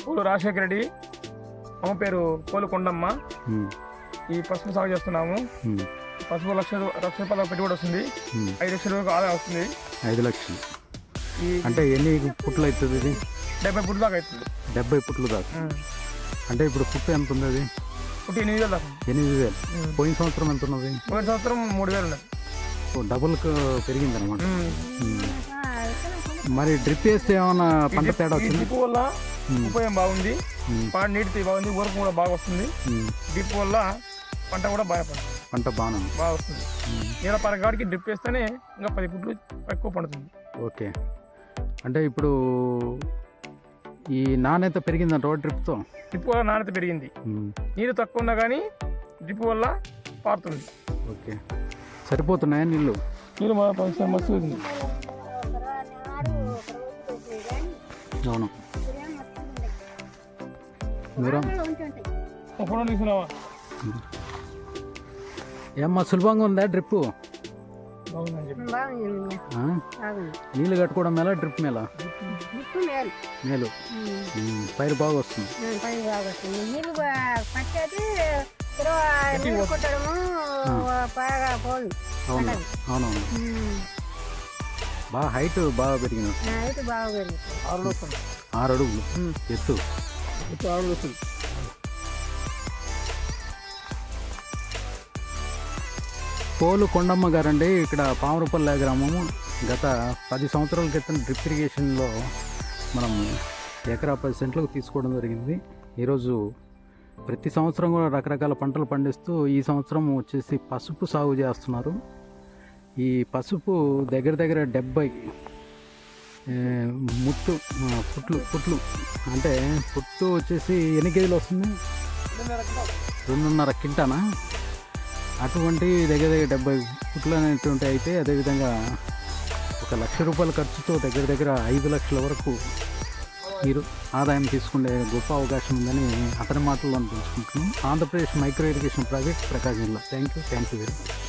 పూలు రాజశేఖర రెడ్డి, అమ్మ పేరు పోలు కొండమ్మ. ఈ పసుపు సాగు చేస్తున్నాము. పసుపు లక్ష రూపాయల పెట్టుబడి వస్తుంది. 5 లక్షల వరకు ఆదాయం వస్తుంది. 5 లక్షలు అంటే ఎన్ని పుట్లు అవుతుంది? ఇది 70 పుట్ల దాకా అవుతుంది. 70 పుట్లు దాకా. అంటే ఇప్పుడు పుట్టు ఎంత ఉంది? అది పుట్టి 8,000 దాకా. 8,000. పోయిన సంవత్సరం ఎంత ఉన్నది? పోయిన సంవత్సరం 3,000 ఉన్నది. డబుల్కి పెరిగింది అనమాట. మరి డ్రిప్ వేస్తే ఏమన్నా పంట తేడా వచ్చింది? డ్రిప్ వల్ల ఉపయోగం బాగుంది. నీటి బాగుంది, ఊరకు కూడా బాగా వస్తుంది. డ్రిప్ వల్ల పంట కూడా పంట బాగా వస్తుంది. నీళ్ళ పరగాడికి డ్రిప్ వేస్తేనే ఇంకా 10 పుట్లు ఎక్కువ పండుతుంది. ఓకే. అంటే ఇప్పుడు ఈ నాణ్యత పెరిగిందంట డ్రిప్తో? డ్రిప్ వల్ల నాణ్యత పెరిగింది. నీరు తక్కువ ఉన్నా కానీ డ్రిప్ వల్ల పారుతుంది. ఓకే. సరిపోతున్నాయా నీళ్ళు? నీళ్ళు మస్తు ఉంది. అవును. ఏమ్మా సులభంగా ఉందా డ్రిప్? నీళ్ళు కట్టుకోవడం మేళ డ్రిప్ మేళ? మేలు. పైరు బాగా వస్తుంది. అవునవును. బాగా హైట్ బాగా పెరిగింది. 6 అడుగులు ఎత్తు. 6 అడుగులు. పోలు కొండమ్మ గారండి, ఇక్కడ పామరపల్లె గ్రామము. గత 10 సంవత్సరాల క్రితం డ్రిప్ ఇరిగేషన్లో మనం ఎకరా 10 సెంట్లకు తీసుకోవడం జరిగింది. ఈరోజు ప్రతి సంవత్సరం కూడా రకరకాల పంటలు పండిస్తూ ఈ సంవత్సరం వచ్చేసి పసుపు సాగు చేస్తున్నారు. ఈ పసుపు దగ్గర 70 పుట్లు అంటే పుట్టు వచ్చేసి ఎన్ని కేజీలు వస్తుంది? 2.5 కింటానా? అటువంటి దగ్గర 70 పుట్లు అనేటువంటి అయితే అదేవిధంగా 1 లక్ష రూపాయల ఖర్చుతో దగ్గర 5 లక్షల వరకు మీరు ఆదాయం తీసుకునే గొప్ప అవకాశం ఉందని అతని మాటల్లో తెలుసుకుంటున్నాం. ఆంధ్రప్రదేశ్ మైక్రో ఇరిగేషన్ ప్రాజెక్ట్, ప్రకాశం జిల్లా. Thank you very much.